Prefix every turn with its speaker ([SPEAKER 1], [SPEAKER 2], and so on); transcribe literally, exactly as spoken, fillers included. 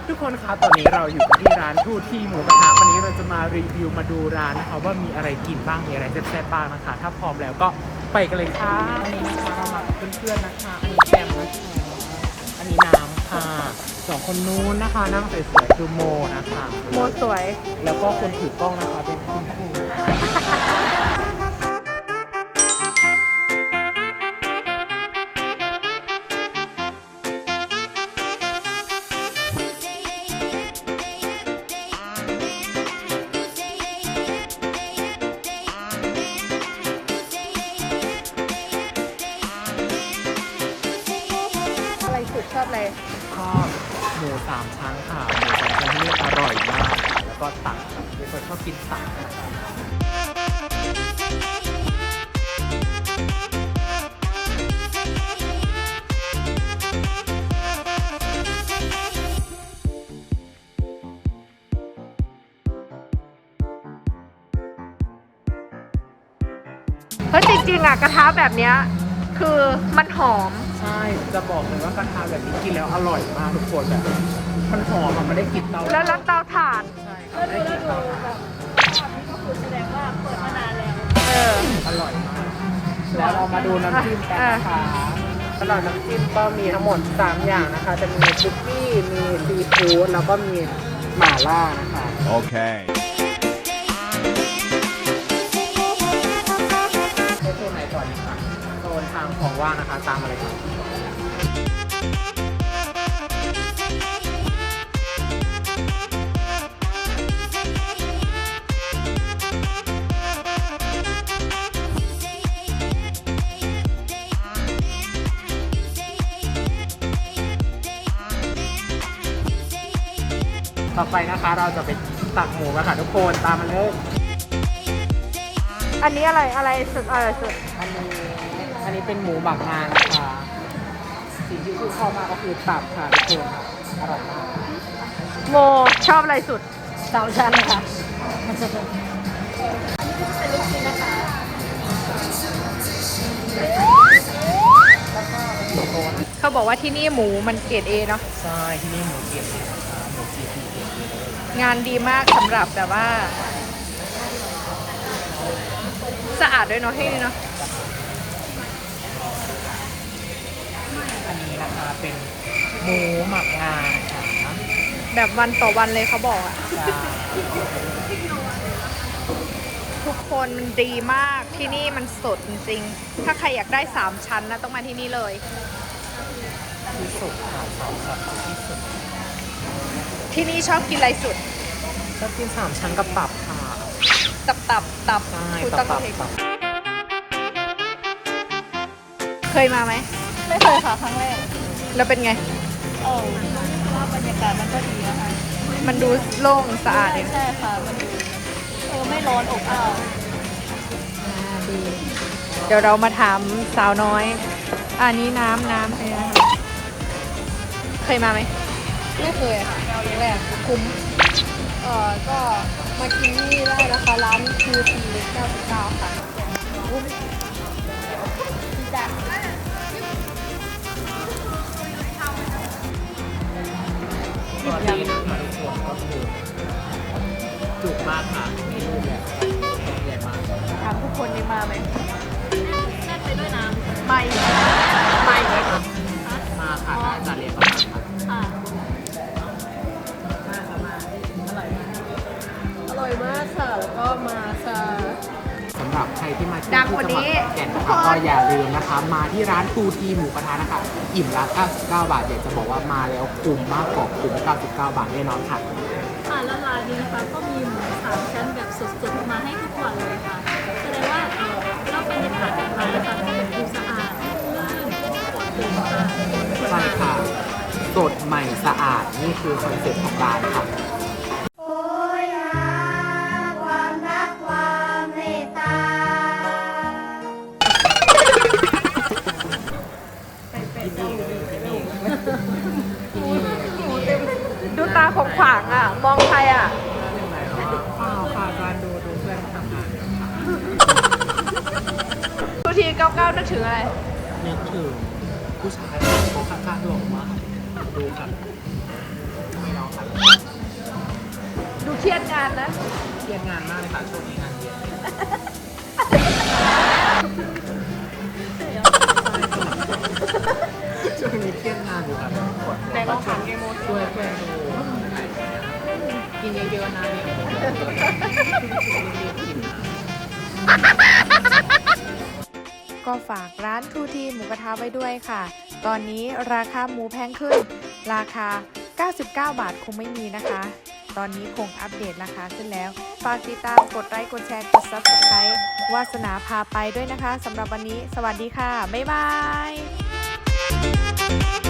[SPEAKER 1] ทุกคนคะตอนนี้เราอยู่ที่ร้านทูทีหมูกระทะวันนี้เราจะมารีวิวมาดูร้านนะคะว่ามีอะไรกินบ้างมีอะไรแซ่บๆบ้างนะคะถ้าพร้อมแล้วก็ไปกันเลยค่ะอันนี้นะคะเรามากับเพื่อนๆนะคะอันนี้แกมนะคะอันนี้น้ำค่ะสองคนนู้นนะคะนั่งสวยๆคือโมนะคะ
[SPEAKER 2] โมสวย
[SPEAKER 1] แล้วก็คนถือกล้องนะคะเป็นคุณครู
[SPEAKER 2] อะไรสุดชอบอะไร
[SPEAKER 1] ชอบหมูสามชั้นค่ะหมูสามชั้นที่นี่อร่อยมากค่ะแล้วก็ตับค่ะเป็นคนชอบกินตับนะคะ
[SPEAKER 2] เพราะจริงๆอ่ะกระทะแบบเนี้ยคือมันหอม
[SPEAKER 1] ใช่จะบอกเลยว่ากระทะแบบนี้กินแล้วอร่อยมากทุกคนแบบมันหอมมันไม่ได้กลิ่นเตา
[SPEAKER 2] แล้วรับเตาถ่าน
[SPEAKER 1] ใช่ค่ะไม่ได้กลิ่นเตาถ่าน
[SPEAKER 2] เออ
[SPEAKER 1] อร่อยมากแล้วเรามาดูน้ำจิ้มกันนะคะสำหรับน้ำจิ้มก็มีทั้งหมดสามอย่างนะคะ จะมีซุกี้มีซีฟู้ดแล้วก็มีหม่าล่านะคะ
[SPEAKER 3] Okay.
[SPEAKER 1] ในโซนไหนก่อนดีคะโซนทางของว่างนะคะตามอะไรครับต่อไปนะคะเราจะไปตักหมูกันค่ะทุกคนตามมาเลย
[SPEAKER 2] อันนี้อะไรอะไรสุดอะไรสุด
[SPEAKER 1] อันนี้อันนี้เป็นหมูหมักงานะคะสิ่งที่ชื่นชอบมากก็คือตับค่ะทุกคนค่ะอร่อยมาก
[SPEAKER 2] โมชอบอะไรสุดสามชั้นค่ะ เขาบอกว่าที่นี่หมูมันเกรดเอเนาะ
[SPEAKER 1] ใช่ที่นี่หมูเกี๊ยวนะคะหมูจีพีเกี๊ยวเลย
[SPEAKER 2] งานดีมากสำหรับแบบว่า สะอาดด้วยเนาะที่นี่เนาะ
[SPEAKER 1] อันนี้นะคะเป็นหมูหมักงาค่ะ
[SPEAKER 2] แบบวันต่อวันเลยเขาบอกอะ
[SPEAKER 1] ใช่
[SPEAKER 2] ทุกคนมันดีมากที่นี่มันสดจริงๆถ้าใครอยากได้สามชั้นนะต้องมาที่นี่เลย
[SPEAKER 1] ที่สุดค่ะสองชั้นที่สุด
[SPEAKER 2] ที่นี่ชอบกินอะไรสุด
[SPEAKER 1] ชอบกินสามชั้นกับตับค่ะ
[SPEAKER 2] ตับตับตับ
[SPEAKER 1] ใช่
[SPEAKER 2] คุณ
[SPEAKER 1] ตับ
[SPEAKER 2] ตั
[SPEAKER 1] ตั
[SPEAKER 2] บบ เอง
[SPEAKER 1] ตับ
[SPEAKER 2] เคยมาไหม
[SPEAKER 4] ไม่เคยค่ะครั้งแรก
[SPEAKER 2] แล้วเป็นไง
[SPEAKER 4] เออว่าบรรยากาศมันก็ดีนะคะ
[SPEAKER 2] มันดูโล่งสะอาดดี
[SPEAKER 4] ใช่ค่ะ มันดูเออไม่ร้อนอบอ้าว
[SPEAKER 2] อ่าดีเดี๋ยวเรามาถามสาวน้อย อันนี้น้ำน้ำอะไรนะคะเคยมาไหม
[SPEAKER 4] ไม่เคยค่ะครั้งแรกคุ้มเออก็มากินนี่ได้นะคะร้านคิวซีเก้าสิบเก้าค่ะอุ้ยจ้ะ
[SPEAKER 1] ตอนนี้นะคะทุกคนก็คือจุกมากค่ะมีรูปแบบใหญ่มาก
[SPEAKER 2] ถามทุกคนนี่มาไหม
[SPEAKER 4] แน่นไปด้วยน้ำ
[SPEAKER 2] ไม่
[SPEAKER 1] ไม่เลยค่ะมาค่ะน่าจะเรียนมาค่ะ
[SPEAKER 4] ค่ะ
[SPEAKER 1] น่าจะมาอร่อยมาก
[SPEAKER 4] อร่อยมากค่ะ แล้วก็มาค่ะ
[SPEAKER 1] สำหรับใครที่มาที่
[SPEAKER 2] ดัง
[SPEAKER 1] ที่
[SPEAKER 2] กว่า
[SPEAKER 1] จังหวัด
[SPEAKER 2] นี้
[SPEAKER 1] ขอนแก่นนะคะก็อย่าลืมนะคะ มาที่ร้านตูทีหมูกระทะนะคะ อิ่มละเก้าสิบเก้าบาทอยากจะบอกว่ามาแล้วคุ้มมากกว่าคุ้มเก้าสิบเก้าบาทแน่นอนค่ะ
[SPEAKER 4] ค่ะแล้วร้านนี้นะคะก็มีหมูสามชั้นแบบสดๆมาให้ทุกวันเลยค่ะ แสดงว่าเออแล้วบรรยากาศของร้านนะคะดูสะอาดลื่นปลอดโปร่งค่ะ
[SPEAKER 1] ใช่ค่ะ สดใหม่สะอาดนี่คือคอนเซ็ปต์ของร้านค่ะ
[SPEAKER 5] โอ้ยหาความรักความเมตตา
[SPEAKER 2] ดูตาของขวางอ่ะ มองใครอ่ะ
[SPEAKER 1] เปล่าค่ะการดูดูเพื่อนทำงานกันค่ะ
[SPEAKER 2] ทุกทีเก้าเก้านึกถึงอะไร
[SPEAKER 1] นึกถึงผู้ชายคนข้างๆหล่อมากดูค่ะไม่ร้องค่ะ
[SPEAKER 2] ดูเครียดงานนะ
[SPEAKER 1] เครียดงานมากเลยค่ะช่วงนี้งานเยอะช่วงนี้เครียดงานอยู่ครับ
[SPEAKER 2] แต่ลองถามเกมโม
[SPEAKER 1] ช่วยเพื่อนดูกินเยอะๆนะเนี่ย
[SPEAKER 2] ก็ฝากร้านทูทีหมูกระทะไว้ด้วยค่ะ ตอนนี้ราคาหมูแพงขึ้น ราคา เก้าสิบเก้า บาทคงไม่มีนะคะ ตอนนี้คงอัปเดตราคาขึ้นแล้ว ฝากติดตามกดไลค์ กดแชร์ กด ซับสไครบ์ วาสนาพาไปด้วยนะคะสำหรับวันนี้ สวัสดีค่ะ บ๊ายบาย